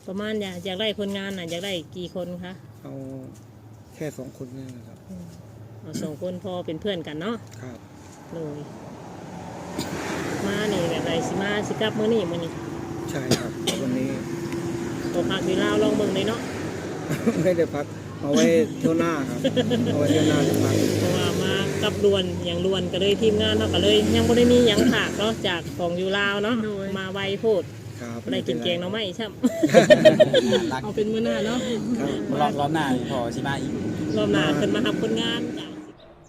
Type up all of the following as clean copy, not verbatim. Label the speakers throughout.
Speaker 1: ประมาณอยากได้คนงานน่ะอยากได้กี่คนคะ
Speaker 2: เอาแค่2 คนนี่นะครับ
Speaker 1: เอา2 คนพอเป็นเพื่อนกันเนาะ
Speaker 2: ครับ
Speaker 1: เลยมานี่แบบไรสิมาสิกลับมื้อนี้
Speaker 2: ใช่ครับวันนี้
Speaker 1: ตัวพักอยู่ลาวลองเบิ่งเลยเนาะ
Speaker 2: ไม่ได้พักเอาไว้เที่ยวหน้าครับเอาไว้เที่ยวหน้าจะพัก
Speaker 1: เพราะว่ามากับลวนอย่างลวนก็เลยทีมงานเนาะก็เลยยังบ่ได้มีหยังฝากเนาะจากของอยู่ลาวเนาะมาไวโพดได้กินแกงเนาะไม่ใช่เอาเป็นมื้อหน้าเนาะ
Speaker 3: รอบหน้าพอสิมาอีก
Speaker 1: รอบหน้าขึ้นมาทำคนงานจ้ะ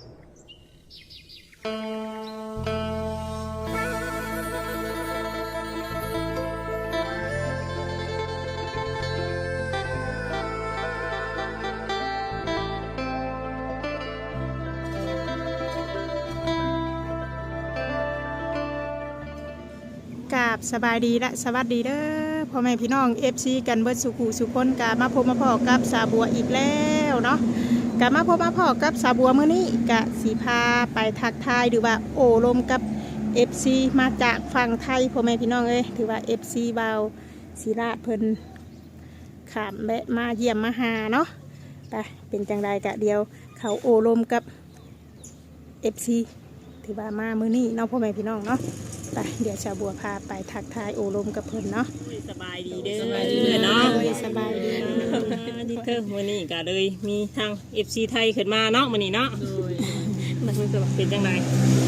Speaker 4: กับสบายดีและสวัสดีเด้อพ่อแม่พี่น้อง FC กันเบิดสุขุสุคนกามาพบมาพอกับสาบัวอีกแล้วเนาะกามาพบมาพอกับสาบัวมื้อนี้กะสีพาไปทักทายหรือว่าโอ้ลมกับ FC มาจากฝั่งไทยพ่อแม่พี่น้องเอ้ยถือว่า FC บาวศิราเพิ่นขามแวะมาเยี่ยมมาหาเนาะไปเป็นจังใดกะเดียวเขาโอ้ลมกับ FC ถือว่ามามื้อนี้เนาะพ่อแม่พี่น้องเนาะไปเดี๋ยวชาวบัวพาไปทักทายโอลมกับเพิ่นเนาะ
Speaker 1: สบายดีเด้อเนาะ
Speaker 4: สบายดี
Speaker 1: นี่เธอมื้อนี้ก็เลยมีทาง FC ไทยขึ้นมาเนาะมื้อนี้เนาะมันเป็นจังได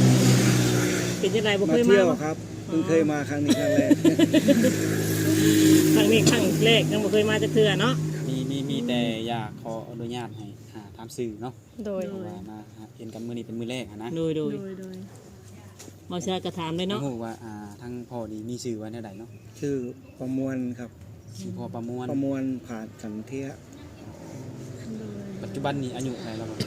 Speaker 1: บ่เคยมา
Speaker 2: ครับเพิ่งเคยมาครั้งนี้ครั้งแรก
Speaker 1: ครั้งแรกยังบ่เคยมาจักเทื่อเนาะ
Speaker 3: มีแต่อยากขออนุญาตให้ถามสื่อเนาะ
Speaker 4: โดย
Speaker 3: ว่ามาเห็นกันมื้อนี้เป็นมื้อแรกนะ
Speaker 1: โดยบ่ใช่ก็ถามเลยเนาะ
Speaker 3: ฮู้ว่าทั้งพ่อนี่มีชื่อว่าแนวใดเนาะ
Speaker 2: ชื่อประมวลครับ
Speaker 3: พ่อประมวล
Speaker 2: ผ่านสันเทีย
Speaker 3: ปัจจุบันนี้อายุเท่าไหร่แล้วบ่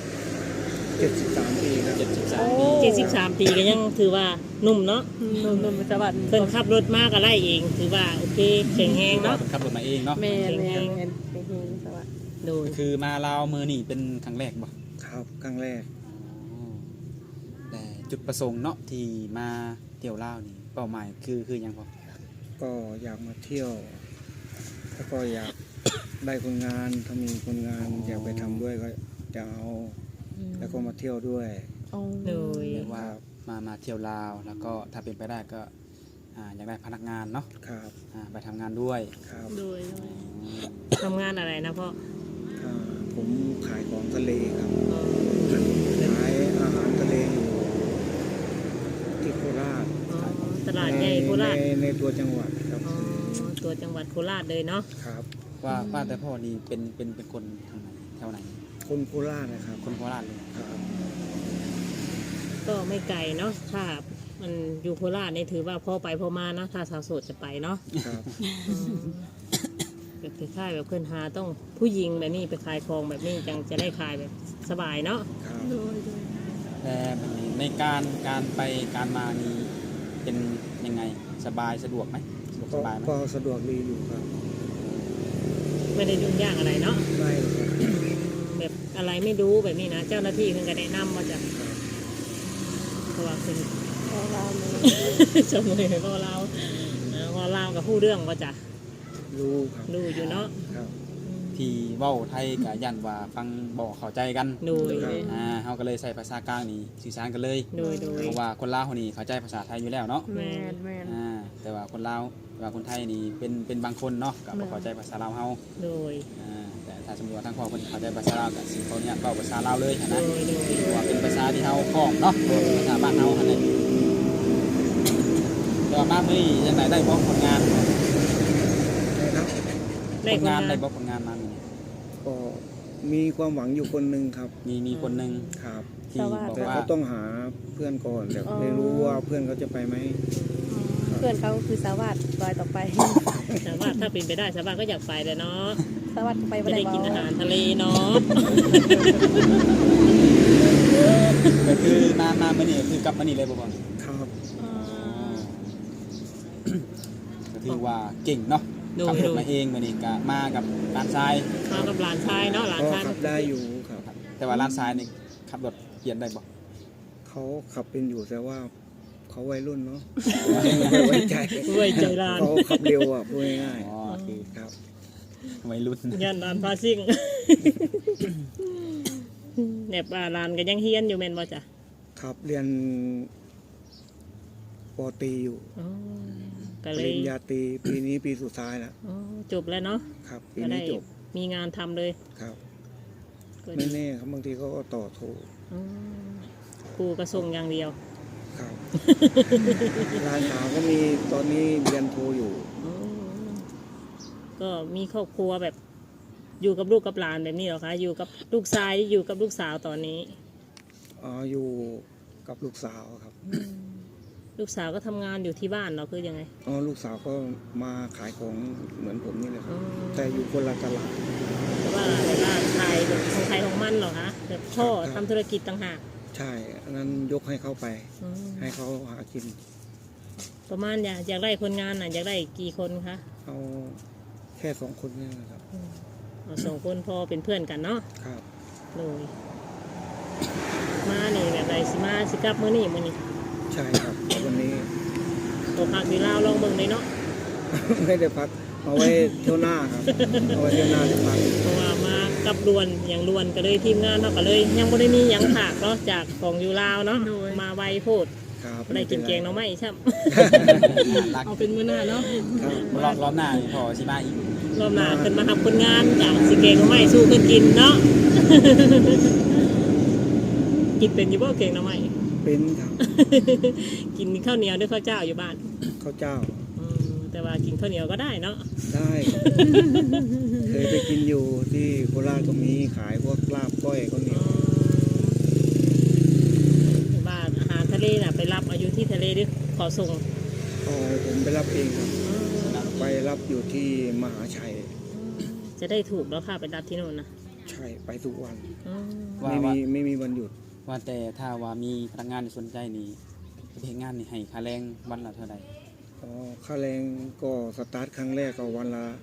Speaker 2: 73 ปีครับ
Speaker 1: 73 ปีก็ยังถือว่าหนุ่มเนาะ
Speaker 4: หนุ่มสวัสดิ์
Speaker 1: เพิ่นขับรถมาก็ไล่เองถือว่าโอเคแข็งแรงเนาะ
Speaker 3: ขับรถมาเองเนาะ
Speaker 4: แม่เป็นสวัสดิ์
Speaker 1: โดย
Speaker 3: คือมาลาวมื้อนี้เป็นครั้งแรกบ่
Speaker 2: ครับครั้งแรก
Speaker 3: แต่จุดประสงค์เนาะที่มาเที่ยวลาวนี่เป้าหมายคือหยังพ่อ
Speaker 2: ก็อยากมาเที่ยวแล้วก็อยากได้คนงานถ้ามีคนงานอยากไปทำด้วยก็จะเอาแล้วก็มาเที่ยวด้วย
Speaker 1: เลย
Speaker 3: ว่ามาเที่ยวลาวแล้วก็ถ้าเป็นไปได้ก็อยากได้พนักงานเนาะ
Speaker 2: ครับ
Speaker 3: ไปทำงานด้วย
Speaker 2: ครับ
Speaker 1: โดยทำงานอะไรนะพ่อ
Speaker 2: ผมขายของทะเลครับขายอาหารทะเลอยู่ที่โคราช
Speaker 1: ตลาดใหญ่โคราช
Speaker 2: ในตัวจังหวัดครับ
Speaker 1: ตัวจังหวัดโคราชเลยเนาะ
Speaker 2: ครับ
Speaker 3: ว่าแต่พ่อนี่เป็นคนทางไหนแถวไหน
Speaker 2: คนโคราชนะครับ
Speaker 3: คนโคราชเลย
Speaker 2: ครับ
Speaker 1: ก็ไม่ไกลเนาะถ้ามันอยู่โคราชนี่ถือว่าพอไปพอมานะถ้าสาวโสดจะไปเนาะ
Speaker 2: ครับ
Speaker 1: แบบคล้ายแบบเพื่อนหาต้องผู้หญิงแบบนี้ไปขายของแบบนี้จังจะได้ขายแบบสบายเนาะ
Speaker 3: แต่ในการไปการมานี่เป็นยังไงสบายสะดวกไหม
Speaker 2: สบายไหมก็สะดวกดีอยู่ครับ
Speaker 1: ไม่ได้ยุ่งยากอะไรเนาะ
Speaker 2: ไม่ครับ
Speaker 1: แบบอะไรไม่รู้แบบนี้นะเจ้าหน้าที่เพิ่งก็แนะนำมาจากเพราะว่าเป็น
Speaker 4: พ่อเรา
Speaker 1: จมูกพ่อเรากับผู้เรื่องว่าจะ
Speaker 2: รู้ครับ
Speaker 1: รู้อยู่เนาะ
Speaker 3: ที่เว้าไทยกับยันว่าฟังบอกเข้าใจกัน
Speaker 1: ดู
Speaker 3: เขาก็เลยใส่ภาษากลางนี่สื่อสารกันเลยเพราะว่าคนลาวคนนี้เข้าใจภาษาไทยอยู่แล้วเนาะ
Speaker 4: แม่
Speaker 3: แต่ว่าคนลาวว่าคนไทยนี่เป็นบางคนเนาะก็บ่เข้าใจภาษาลาวเฮาแต่ถ้าสมมติว่าทั้งพ่อคนเข้าใจภาษาลาวก็สิเขาเนี่ยเว้าภาษาลาวเลยนะเพราะว่าเป็นภาษาที่เฮาคล่องเนาะภาษาบ้านเฮาหั่นแหละแต่ว่ามามื้อนี้จังได๋ได้บ่ผลงานได้ผลงานมา
Speaker 2: ก็มีความหวังอยู่คนหนึ่งครับ
Speaker 3: มีคนหนึ่ง
Speaker 2: ครับที่บอกว่าเขาต้องหาเพื่อนก่อนแต่ไม่รู้ว่าเพื่อนเขาจะไปไหม
Speaker 4: เพื่อนเขาคือสวัสดิ์รอยต่อไป
Speaker 1: สวัสดิ์ถ้าเป็นไปได้สวัสดิ์ก็อยากไปเลยเนาะ
Speaker 4: สวัสดิ์ไป
Speaker 1: จะได้กินอาหารทะเลเนาะ
Speaker 3: ก็คือมาเมื่อนี้คือกลับมานี่เลยบ่บ่
Speaker 2: ครับ
Speaker 3: ก็ถือว่าเก่งเนาะขับรถมาเองมื่อนี้ก็มากับหลานชาย
Speaker 1: เนาะหลานชาย
Speaker 2: ขับได้อยู่ครับ
Speaker 3: แต่ว่าหลานชายนี่ขับรถเปลี่ยนได้บ่
Speaker 2: เขาขับเป็นอยู่แต่ว่าเขาวัยรุ่นเนาะไม่ไว้ใจ
Speaker 1: ไว้ใจร้าน
Speaker 2: เขาขับเร็วอ่ะพูดง่าย
Speaker 3: อ๋อคือ
Speaker 2: ๆครับ
Speaker 3: วัยรุ่น
Speaker 1: ย่านร้านพาซิ่งแหนบร้านก็ยังเฮียนอยู่แม่นบ่จ้ะ
Speaker 2: ครับเรียนปอตรีอยู่
Speaker 1: อ๋อ
Speaker 2: ป
Speaker 1: ก็เลย
Speaker 2: ริญญาตรีปีนี้ปีสุดท้ายแล้ว
Speaker 1: อ๋อจบแล้วเนาะ
Speaker 2: ครับปี
Speaker 1: ก็ได้
Speaker 2: นี้จบ
Speaker 1: มีงานทำเลย
Speaker 2: ครับ
Speaker 1: ก็
Speaker 2: ไม่
Speaker 1: ดี
Speaker 2: แน่ครับบางทีเขาก็ต่อโทร
Speaker 1: อ๋อครูก็ส่งอย่างเดียว
Speaker 2: ครับร้านสาวก็มีตอนนี้เรียนโทรอยู่
Speaker 1: อ๋อก็มีครอบครัวแบบอยู่กับลูกกับหลานแบบนี้เหรอคะอยู่กับลูกชายอยู่กับลูกสาวตอนนี้
Speaker 2: อยู่กับลูกสาวครับ
Speaker 1: ลูกสาวก็ทำงานอยู่ที่บ้านเหราคือยังไง
Speaker 2: ลูกสาวก็มาขายของเหมือนผมนี่แหละครับ
Speaker 1: อ๋อ
Speaker 2: แต่อยู่คนละตลาด
Speaker 1: แต่ว่าแบบว่าขายแบบของใครของมันเหรอคะแบบพ่อ
Speaker 2: ครับ
Speaker 1: ทำธุรกิจต่างหาก
Speaker 2: ใช่อันนั้นยกให้เขาไป
Speaker 1: อ๋อ
Speaker 2: ให้เขาหากิน
Speaker 1: ประมาณอยากได้คนงานน่ะอยากได้กี่คนคะ
Speaker 2: เอาแค่2 คนนี่นะครับ
Speaker 1: เอา2 คนพอเป็นเพื่อนกันเนาะ
Speaker 2: ครับ
Speaker 1: เลยมานี่แบบไรสิมาสิกลับมื้อนี้
Speaker 2: ใช่ครับวันนี้
Speaker 1: ตัวพักดีลาวลองเบิ่งเลยเนาะ
Speaker 2: ไม่ได้พักเอาไว้เที่ยวหน้าครับเอาไว้เที่ยวหน้าจะพัก
Speaker 1: เพราะว่ามากับรวนอย่างรวนก็เลยทีมงานเนาะก็เลย ยังบ่ได้มีหยังผากเนาะจากของอยู่ลาวเนาะมาไวโพด
Speaker 2: ครับ
Speaker 1: บ่ได้กินแกงเนาะไม่ใช่
Speaker 3: รัก
Speaker 1: เอาเป็นมื้อหน้าเนาะ
Speaker 2: ครับ
Speaker 3: รอบหน้านี่พอสิมาอีก
Speaker 1: รอบหน้าขึ้นมาทำคนงานจากสิแกงเนาะไม่สู้เพิ่นกินเนาะ กินเป็นอยู่บ่แกงเนาะไม่
Speaker 2: เป็นครับ
Speaker 1: กินข้าวเหนียวด้วยข้าวเจ้าอยู่บ้าน
Speaker 2: ข้าวเจ้า
Speaker 1: แต่ว่ากินข้าวเหนียวก็ได้เนาะ
Speaker 2: ได้ครับเคยไปกินอยู่ที่โคราชก็มีขายพวกลาบก้อยข้าวเหนียว
Speaker 1: บ้านอาหารทะเลน่ะไปรับเอาอยู่ที่ทะเลด้วยขอส่ง
Speaker 2: ผมไปรับเองครับไปรับอยู่ที่มหาชัย
Speaker 1: จะได้ถูกแล้วค่ะไปรับที่โน่นนะ
Speaker 2: ใช่ไปทุกวัน
Speaker 3: ว่า
Speaker 2: ไม่มีวันหยุด
Speaker 3: ว่าแต่ถ้าว่ามีพนักงานสนใจนี่เฮ็ดงานนี่ให้ค่าแรงวันละเท่าใด
Speaker 2: ค่าแรงก็สตาร์ทครั้งแรกก็วันละ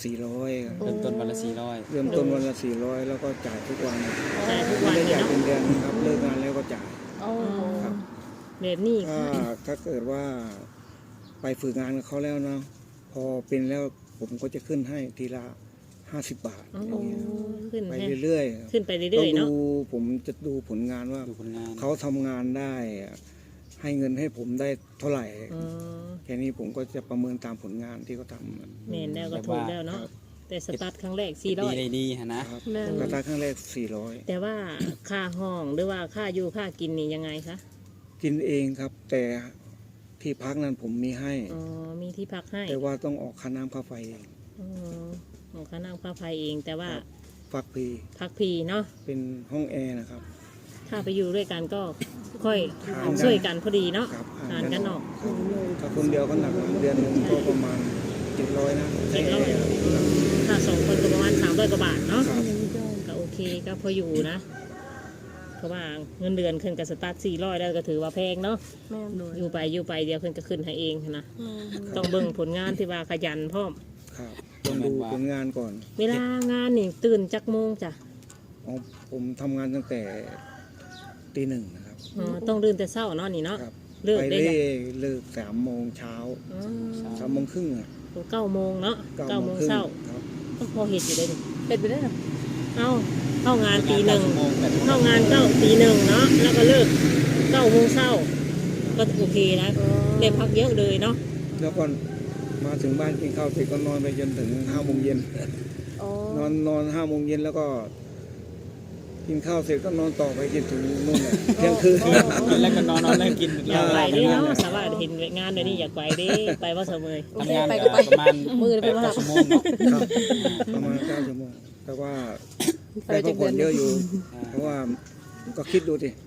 Speaker 2: 400ครับ
Speaker 3: เริ่มต้นวันละ
Speaker 2: เริ่มต้นวันละ400แล้วก็จ่ายทุกวัน
Speaker 1: ใช่ทุกวัน
Speaker 2: ไม่ได้
Speaker 1: เลย
Speaker 2: จ่าย
Speaker 1: เนาะ
Speaker 2: เป็นเดือนนะครับเลิกงานแล้วก็จ่าย ครับ
Speaker 1: แบบนี้
Speaker 2: ถ้าเกิดว่าไปฝึกงานกับเขาแล้วเนาะพอเป็นแล้วผมก็จะขึ้นให้ทีละ50 บาทอย่างเงี้ย
Speaker 1: ขึ้น
Speaker 2: ไป
Speaker 1: ให้
Speaker 2: เรื่อยๆครับ
Speaker 1: ขึ้นไป
Speaker 2: ต้
Speaker 1: เรื่
Speaker 2: อ
Speaker 1: อย
Speaker 2: ง
Speaker 1: ๆเนาะ
Speaker 2: ดูผมจะดูผลงานว่า
Speaker 3: ดูผลงาน
Speaker 2: เขาทำงานได้ให้เงินให้ผมได้เท่าไหร่
Speaker 1: อ๋อ
Speaker 2: แค่นี้ผมก็จะประเมินตามผลงานที่เขาทำ
Speaker 1: แม่นแล้วก็ถูกแล้วเนาะแต่สตาร์ทครั้งแรก
Speaker 3: ดีได้ดีฮะนะ
Speaker 2: ครับราคาครั้งแรก400
Speaker 1: แต่ว่าค่าห้องหรือว่าค่าอยู่ค่ากินนี่ยังไงคะ
Speaker 2: กินเองครับ แต่ที่พักนั้นผมมีให้
Speaker 1: อ๋อมีที่พักให้
Speaker 2: แต่ว่าต้องออกค่าน้ำค่าไฟเอง
Speaker 1: อ๋อของค่าน้ำค่าไฟเองแต่ว่า
Speaker 2: ฟักพี
Speaker 1: พักพีเนาะ
Speaker 2: เป็นห้องแอร์นะครับ
Speaker 1: ถ้าไปอยู่ด้วยกันก็ค่อย
Speaker 2: หารกัน
Speaker 1: ช่วยกันพอดีเนาะ
Speaker 2: ครับ
Speaker 1: หารกันออก
Speaker 2: ครับถ้าคนเดียวก็หนักเดือนหนึ่งก็ประมาณ700นะใช้แอร์ครับ
Speaker 1: ถ้า2 คนก็ประมาณ300 กว่าบาทเนาะ
Speaker 2: ครับ
Speaker 1: ก็โอเคก็พออยู่นะ เพราะว่าเงินเดือนขึ้นกับสตาร์ท400แล้วก็ถือว่าแพงเนาะอยู่ไปเดียวขึ้นก็ขึ้นให้เองนะต้องเบิ่งผลงานที่ว่าขยันพร้อม
Speaker 2: ครับต้องดูผลงานก่อน
Speaker 1: เวลางานนี่ตื่นจักโมงจ้ะ
Speaker 2: ผมทำงานตั้งแต่ตี 1นะครับ
Speaker 1: อ๋อต้องตื่นแต่เช้าเนาะนี่เนาะ
Speaker 2: ครับ
Speaker 1: เลิก
Speaker 2: ไป
Speaker 1: ได้
Speaker 2: เล่
Speaker 1: จ้ะ
Speaker 2: เลิก3 โมงเช้า
Speaker 1: อ๋อ
Speaker 2: 3 โมงครึ่งอ่ะ
Speaker 1: 9 โมงเนาะ
Speaker 2: 9
Speaker 1: 9
Speaker 2: โม
Speaker 1: โม
Speaker 2: ง
Speaker 1: ง
Speaker 2: ครึ่ง
Speaker 1: เช้า
Speaker 2: ครับ
Speaker 1: ก็พอเห็ดอยู่ได้นี่เป็นไปได้เหรอเข้างานตี 1
Speaker 3: ชั่วโมงแบบ
Speaker 1: เข้างานตี 1เนาะแล้วก็เลิก9 โมงเช้าก็โอเคนะได้พักเยอะเลยเนาะ
Speaker 2: แล้วก็มาถึงบ้านกินข้าวเสร็จก็นอนไปจนถึง5 โมงเย็นนอน5 โมงเย็นแล้วก็ กินข้าวเสร็จก็นอนต่อไปจนถึงนู่นน่ะเที่ยงคืน
Speaker 3: แล้วก็นอนแล้วกิน
Speaker 1: อยากไปเด้เนาะสามารถเห็นงานเดี๋ยวนี้อยากไปเด้ไปว่าเสมอ
Speaker 3: ทำงานก็ประมาณ
Speaker 1: มือเป็น
Speaker 3: 8
Speaker 1: ว่า
Speaker 3: ชั่วโมงเนาะ
Speaker 2: ครับประมาณ9 ชั่วโมงแต่ว่าได้พักผ่อนเยอะอยู่ เพราะว่าก็คิดดูสิ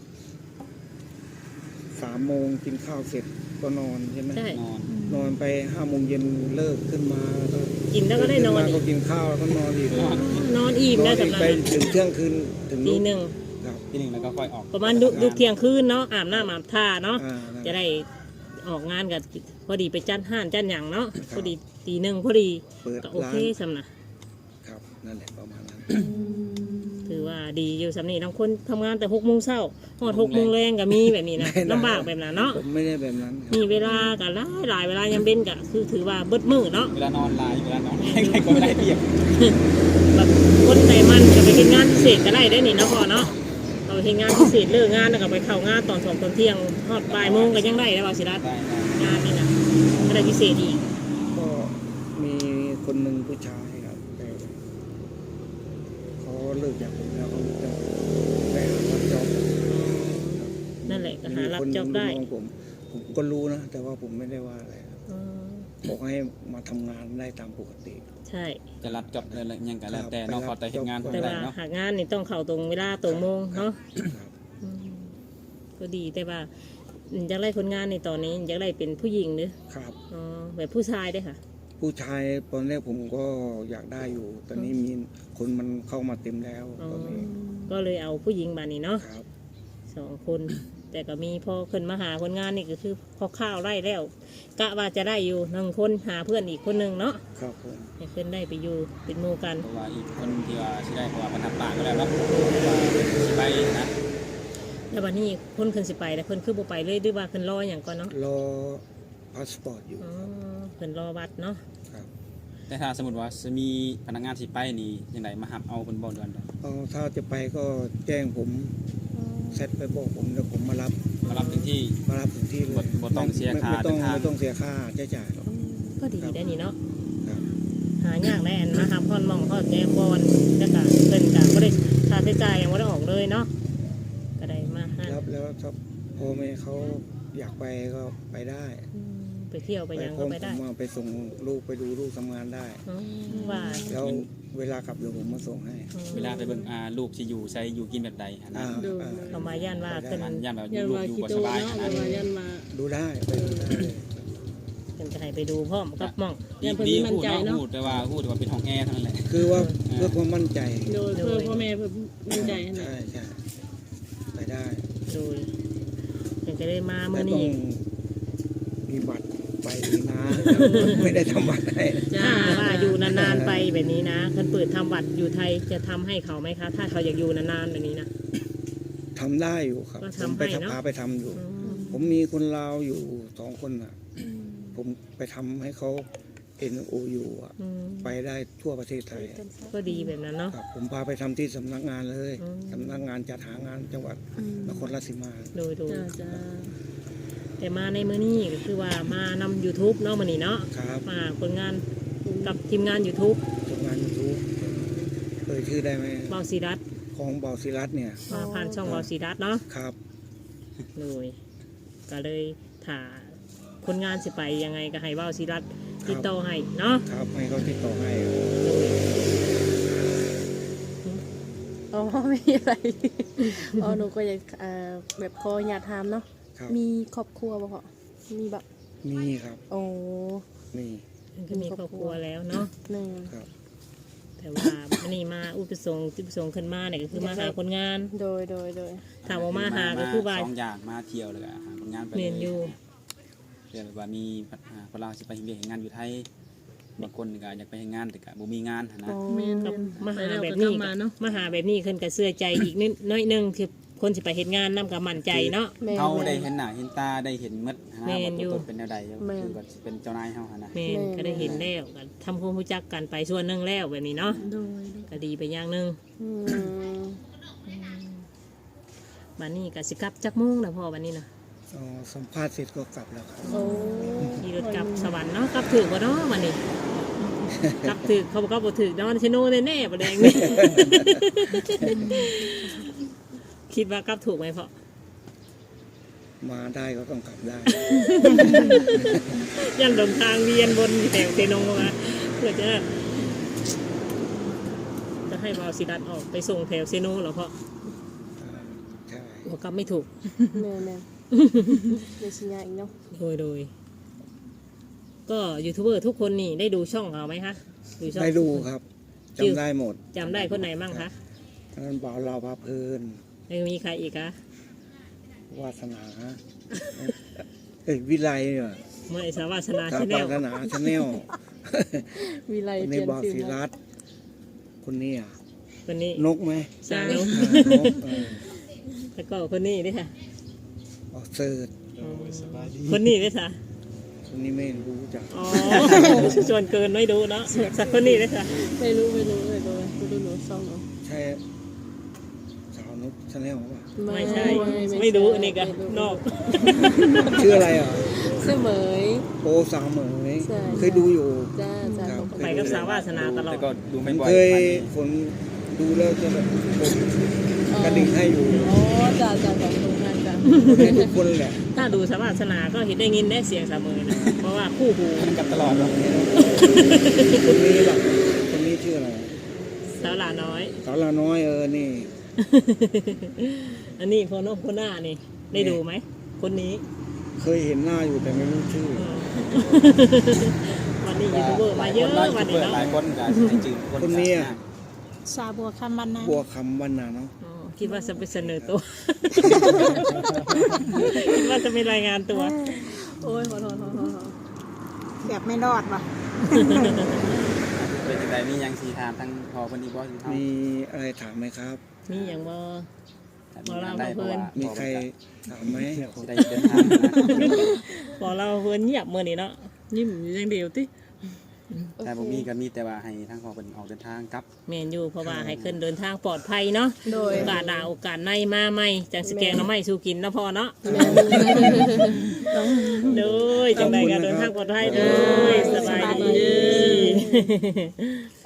Speaker 2: 3 โมงกินข้าวเสร็จก็นอนใช่ไหม
Speaker 1: ใช่
Speaker 3: นอน
Speaker 2: นอนไป5 โมงเย็นเลิกขึ้นมาก็
Speaker 1: กินแล้วก็ได้นอน
Speaker 2: ขึ้
Speaker 1: อี
Speaker 2: มาก ก็กินข้าวแล้วก็นอนอีก
Speaker 1: นอนอิ่ม
Speaker 2: นอ
Speaker 1: ได้
Speaker 2: นอีก
Speaker 1: สำหรับ
Speaker 2: ไปถึงเที่ยงคืนถึง
Speaker 1: ตี
Speaker 2: นู่น
Speaker 1: หนึ่ง
Speaker 2: ครับ
Speaker 3: ทีหนึ่งแล้วก็ค่อยออก
Speaker 1: ประมาณดุเที่ยงคืนเนาะอาบน้ำอาบท่าเนาะ
Speaker 2: อ่า
Speaker 1: จะได้ออกงานกับพอดีไปจัดห้านจัดหยังเนาะพอดีตี 1พอดี
Speaker 2: เปิด
Speaker 1: ก็โอ
Speaker 2: ร้า
Speaker 1: เคน สำนะครับ
Speaker 2: นั่นแหละประมาณนั้น
Speaker 1: ถือว่าว่าดีอยู่สำนีทั้งคนทำงานแต่6 โมงเช้าฮอด6 โมงแรงก็มีแบบนี้นะลำบากแบบนั้นเนาะ
Speaker 2: ผมไม่ได้แบบนั้นครับ
Speaker 1: มีเวลาก็หลายเวลายามเบ็นก็คือถือว่าเบิดมื้อเนาะ
Speaker 3: เวลานอนหลายเวลานอนใครก็ไม่ได้เปรียบ
Speaker 1: แบบคนไหนมันจะไปเฮ็ดงานพิเศษก็ได้ได้นี่เนาะพ่อเนาะเราเฮ็ดงานพิเศษเลิกงานแล้วก็ไปเข้างานตอน2 ตอนเที่ยงฮอดบ่ายโมงก็ยังได้แล้วว่าสิรัต
Speaker 3: ได้
Speaker 1: งานนี่นะก็ได้พิเศษอีก
Speaker 2: ก็มีคนหนึ่งผู้ชายครับแต่เขาเลิกจากผมแล้วเขาจะไปหารับจ็อบ
Speaker 1: นั่นแหละก็หารับ
Speaker 2: มีคน
Speaker 1: จ็อบได้
Speaker 2: ลูกน้องผมก็รู้นะแต่ว่าผมไม่ได้ว่าอะไรครับ
Speaker 1: อืม
Speaker 2: บอกให้มาทำงานได้ตามปกติ
Speaker 1: ใช่
Speaker 3: จะรับจ็อบอะไรยังกันแล้วแต่เนาะขอแต่เฮ็ดงาน
Speaker 1: แต่
Speaker 3: ได้
Speaker 1: ว่า
Speaker 3: เนาะ
Speaker 1: หากงานนี่ต้องเข้าตรงเวลาตรงโมงเนาะ
Speaker 2: ครับ
Speaker 1: อืมก็ดีแต่ว่าอยากได้คนงานในตอนนี้อยากได้เป็นผู้หญิงหรือ
Speaker 2: ครับ
Speaker 1: อ๋อแบบผู้ชายด้วยค่ะ
Speaker 2: ผู้ชายตอนแรกผมก็อยากได้อยู่ ตอนนี้มีคนมันเข้ามาเต็มแล้ว
Speaker 1: อ๋อ
Speaker 2: ตอนนี้
Speaker 1: ก็เลยเอาผู้หญิงมานี่เนาะ
Speaker 2: ครับ
Speaker 1: 2 คน แต่ก็มีพอขึ้นมาหาคนงานนี่ก็คือพอข้าวไร่แล้วกะว่าจะได้อยู่1 คนหาเพื่อนอีกคนหนึ่งเนาะ
Speaker 2: ครับผม
Speaker 1: ให้ขึ้นได้ไปอยู่เป็นหมู่กัน
Speaker 3: เพราะว่าอีกคนที่ว่าสิได้เพราะว่ามันทำปากก็แล้วเนาะว่าสิไปนะ
Speaker 1: แล้ววันนี้เพิ่นขึ้นสิไปแต่เพิ่นคือบ่ไปเลยหรือว่าเพิ่นรออย่างก่อนเนาะ
Speaker 2: รอพาสปอร์ตอยู่
Speaker 1: อ๋อเพิ่นรอวัดเนาะ
Speaker 2: ครับ
Speaker 3: แต่ถ้าสมมติว่าจะมีพนักงานสิไปนี่ยังไงมาหับเอาเป็นบ่เดือนเด้อ
Speaker 2: เอาถ้าจะไปก็แจ้งผมเซตไปบอกผมแล้วผมมารับ
Speaker 3: มารับถึงที่
Speaker 2: มารับถึงที่เลย
Speaker 3: บ่ต้องเสียค่า
Speaker 2: ไม่ต้อง
Speaker 3: เดินทาง
Speaker 2: ไม่ต้องเสียค่าใช้จ่ายหรอก
Speaker 1: ก็ดีได้นี่เนาะ
Speaker 2: ครับ
Speaker 1: หายากแน่นมาครับพ่อนมองพ่อแก้บอลแล้วก็เพิ่นก็บ่ได้ค่าใช้จ่ายยังบ่ได้ออกเลยเนาะก็ได้มาหา
Speaker 2: แล้วถ้าพ่อแม่เขาอยากไปก็ไปได้
Speaker 1: ไปเที่ยวไปหยังก็ไปได้
Speaker 2: ผมไปส่งลูกไปดูลูกทำงานได้
Speaker 1: อ๋อว่า
Speaker 2: แล้วเวลากลับเดี๋ยวผมมาส่งให้
Speaker 3: เวลาไปเบิ่งลูกสิอยู่ใช้อยู่กินแบบใดหันนะ
Speaker 1: เขามาย่านว่าขึ้น
Speaker 3: มันย่านแบบ
Speaker 5: ยัน
Speaker 3: ลูก
Speaker 5: มา
Speaker 3: อยู่
Speaker 5: คิ
Speaker 3: บ่
Speaker 5: โต
Speaker 3: สบาย
Speaker 5: เนาะ
Speaker 3: หัน
Speaker 5: เว
Speaker 3: นะ
Speaker 5: ลายันมา
Speaker 2: ดูได้ไปดูได้
Speaker 1: เพิ่นก็ให้ไปดูพร้อมกับหม่อง
Speaker 5: ยันเพิ่น
Speaker 3: ดี
Speaker 5: มั่น
Speaker 3: พูด
Speaker 5: ใจ
Speaker 3: เนาะ
Speaker 5: เนาะ
Speaker 3: พูดแต่ว่าเป็นห้องแอร์เท่านั้นแหละ
Speaker 2: คือว่าเพื่อความมั่นใจ
Speaker 5: โดยเพื่อพ่อแม่เพิ่นมั่นใจนะ
Speaker 2: ใช่ใช่ไปได้
Speaker 1: โดยเพิ่นก็ได้มา
Speaker 2: แต่
Speaker 1: มื้อ
Speaker 2: ต้อ
Speaker 1: นี้
Speaker 2: งมีบัตรไปนะ ไม่ได้ทำบัตรให้
Speaker 5: จ้า
Speaker 1: ถ้าว่าอยู่นานๆไปแบบนี้นะเพิ่นเปิดทำบัตรอยู่ไทยจะทำให้เขาไหมคะ ถ้าเขาอยากอยู่นานๆแบบนี้นะ
Speaker 2: ทำได้อยู่ครับ
Speaker 1: ก็
Speaker 2: ผม
Speaker 1: ทำ
Speaker 2: ไป
Speaker 1: ให้เนอะ
Speaker 2: พาไปทำอยู่
Speaker 1: อืม
Speaker 2: ผมมีคนลาวอยู่2 คนอ่ะ ผมไปทำให้เขา NOU อ่ะ
Speaker 1: อืม
Speaker 2: ไปได้ทั่วประเทศไทย
Speaker 1: ก็ดีแบบนั้นเนาะ
Speaker 2: ครับผมพาไปทำที่สำนักงานเลย
Speaker 1: อืม
Speaker 2: สำนักงานจัดหางานจังหวัดนครราชสีมา
Speaker 1: โดย
Speaker 5: จ้าจ้า
Speaker 1: แต่มาในมื้อนี้ก็คือว่ามานำ YouTube เนาะมื้อนี้เนาะ
Speaker 2: ครับ
Speaker 1: มาผลงานกับทีมงาน YouTube
Speaker 2: ทำงานยูทูบชื่อได้ไหม
Speaker 1: เบาศิรัตน์
Speaker 2: ของเบาศิรัตน์เนี่ย
Speaker 1: มาผ่านช่องเบาศิรัตน์เนาะ
Speaker 2: ครับ
Speaker 1: เลยก็เลยถ่าคนงานสิไปยังไงก็ให้เบาศิรัตน์ติดต่อให้เนาะ
Speaker 2: ครับให้เขาติดต่อให้
Speaker 5: อ๋อไม่มีอะไรอ๋อหนูก็อยากแบบขออยากถามเนาะ
Speaker 2: ครับ
Speaker 5: มีครอบครัวบ่พ่อมีแบบ
Speaker 2: มีครับ
Speaker 5: โอ้
Speaker 2: มี
Speaker 1: มันก็มีครอบครัวแล้วเนาะ
Speaker 5: หนึ่ง
Speaker 2: ครับ
Speaker 1: แต่ว่ามันนี่มาอุปสงค์จุดประสงค์ขึ้นมาเนี่ยก็คือมาหาคนงาน
Speaker 5: โดย
Speaker 1: ถามว่ามาหาก็คือว่า
Speaker 3: สองอย่างมาเที่ยวเลยหาผลงานไป
Speaker 1: เรียนอยู่
Speaker 3: เรียนแบบว่ามีคนเราสิไปเฮ็ดงานอยู่ไทยบางคนก็อยากไปเฮ็ดงานแต่ก็บ่มีงานหันนะ
Speaker 5: แม่น
Speaker 1: กับมาหา
Speaker 5: ไปล้ว
Speaker 1: แบบ
Speaker 5: ก็
Speaker 1: นี้
Speaker 5: กลัมาเนาะ
Speaker 1: มาหาแบบนี้ขึ้นกับเสื้อใจอีกนิดน้อยหนึงคือคนสิไปเห็นงานนํกับมั่นใจเนาะ
Speaker 5: แม่น
Speaker 3: เขาได้เห็นหน้าเห็นตาได้เห็นหมดหัน
Speaker 1: แม่
Speaker 3: นะ
Speaker 1: นอยู่
Speaker 3: ว่าตัวตนเป็นแนวใดคือว่าสิเป็นเจ้านายเฮาหันนะ
Speaker 1: แม่นก็ได้เห็นแล้วก็ทำความรู้จักกันไปส่วนหนึงแล้วแบบนี้เนาะ
Speaker 5: โดย
Speaker 1: ก็ดีไปอย่างหนึง
Speaker 5: อืม
Speaker 1: บัดนี้ก็สิกลับจักโมุ่งนะพ่อบัดนี้นะ
Speaker 2: อ๋อสัมภาษณ์เสร็จก็กลับแล้วครับ
Speaker 5: โอ้
Speaker 1: ขี่รถกลับสวรรค์เนาะกลับถึกบ่เนาะบัดนี้ กลับถึกเขาบอกว่าบ่ถึกเนาะชิโน่แน่ๆบ่แดงนี่ คิดว่ากลับถูกไหมพ่อ
Speaker 2: มาได้ก็ต้องกลับได้
Speaker 1: ยังเดินทางเวียนบนแถวเซโนมาเพื่อจะให้วาวศิรัตน์ออกไปส่งแถวเซโนเหรอพ่อ
Speaker 2: ใช่
Speaker 1: หัวกลับไม่ถูก
Speaker 5: แม่นเดี๋ยวสิยาอีกเนาะ
Speaker 1: โดย ก็ยูทูบเบอร์ทุกคนนี่ได้ดูช่องเขาไหมคะช่อง
Speaker 2: ได้ดูครับจำได้หมด
Speaker 1: จำได้คนไหนบ้างคะ
Speaker 2: ทั้งนั้นบ่าวเราวพาเพลิน
Speaker 1: ยังมีใครอีกคะ
Speaker 2: วาสนา วิไลเนี่ย
Speaker 1: เมื่อไอสาวาสนา
Speaker 2: ครับ
Speaker 1: ชาแน
Speaker 2: วา
Speaker 1: ล
Speaker 2: สนาชาแนล
Speaker 5: วิไล
Speaker 2: คน
Speaker 5: เป
Speaker 2: นี้
Speaker 5: ลี่ยน
Speaker 2: บ่าว
Speaker 5: ชื่
Speaker 2: ศิ
Speaker 5: อ
Speaker 2: รัตน์คนนี้
Speaker 1: คนนี้
Speaker 2: นกไหม
Speaker 1: สาวน
Speaker 2: ก
Speaker 1: แล้วก็คนนี้ด้วยค่ะ
Speaker 2: ออกเสิร์ต
Speaker 1: คนนี้ด้วยค่ะ
Speaker 2: คนนี้ไม่รู้จัก
Speaker 1: อ๋อส่วนเกินไม่ดูเนาะสักคนนี้ด้วยค่ะ
Speaker 5: ไม่รู้เลยดูหนูซ่องเนาะ
Speaker 2: ใช่สาวนกชาแนลป่ะ
Speaker 1: ไม่ใช่ไม่รู้อันนี้ก็นอก
Speaker 2: ชื่ออะไรอ่ะ
Speaker 5: ชื่อเหมย
Speaker 2: โอสาวเหมย
Speaker 5: ใช่
Speaker 2: เคยดูอยู่
Speaker 5: จ้า
Speaker 2: ครับ
Speaker 1: ไปกับสาววาสนาตลอด
Speaker 3: แต่ก็ดู
Speaker 2: ผ
Speaker 3: ไม่
Speaker 2: ม
Speaker 3: บ่อย
Speaker 2: เคยฝนดูแล้วจะแบบกระดิ่งให้อยู่
Speaker 5: อ๋อจ้าขอบคุณมากจ้า
Speaker 2: ให้ทุกคนแหละ
Speaker 1: ถ้าดูสาววาสนาก็เห็นได้ยินได้เสียงเสมอนะเพราะว่าคู่หู
Speaker 3: มันกับตลอดเนาะ
Speaker 2: คนนี้หลักคนนี้ชื่ออะไร
Speaker 1: สาวหลาน้อย
Speaker 2: สาวลาน้อยนี่
Speaker 1: อันนี้พอนกคนหน้านี่ได้ดูไหมคนนี้
Speaker 2: เคยเห็นหน้าอยู่แต่ไม่รู้ชื่อ
Speaker 1: วันนี้ยูทูบเบอร์มาเยอะวันนี้
Speaker 3: ห
Speaker 1: เนาะ
Speaker 3: ลายคนก็ให้จืด
Speaker 2: คนนี้อะ
Speaker 4: สาบัวคำบรรณา
Speaker 2: บัวคำวันนาเนาะ
Speaker 1: อ๋อคิดว่าจะไปเสนอตัว คิดว่าจะมีรายงานตัว
Speaker 5: โอ้ยขอโทษ
Speaker 4: แบบไม่รอดว่ะ
Speaker 3: เป็นจังไดมีหยังสิถามทั้งพอเพิ่นอีกบ่สิเฮา
Speaker 2: มีอะไรถามไหมครับ
Speaker 1: นี่อย่างว่า
Speaker 3: มีงานได้เพราะว่า
Speaker 2: มีใครถามไหม
Speaker 3: สิได้เดินทางนะ
Speaker 1: บอกเราเพื่อนเงียบมื่อนี้เนาะยิ้มอยู่อย่างเดียวติ
Speaker 3: แต่บ่มีก็มีแต่ว่าให้ทางพอเพิ่นออกเดินทางกลับ
Speaker 1: แมนอยู่เพราะว่าให้ขึ้นเดินทางปลอดภัยเนาะ
Speaker 5: โดย
Speaker 1: โอกาสหน้าโอกาสในมาใหม่จังสแกงน้ำไม่สู้กินนะพอเนาะเด้อจังใดก็เดินทางปลอดภัยเด้อสบายดี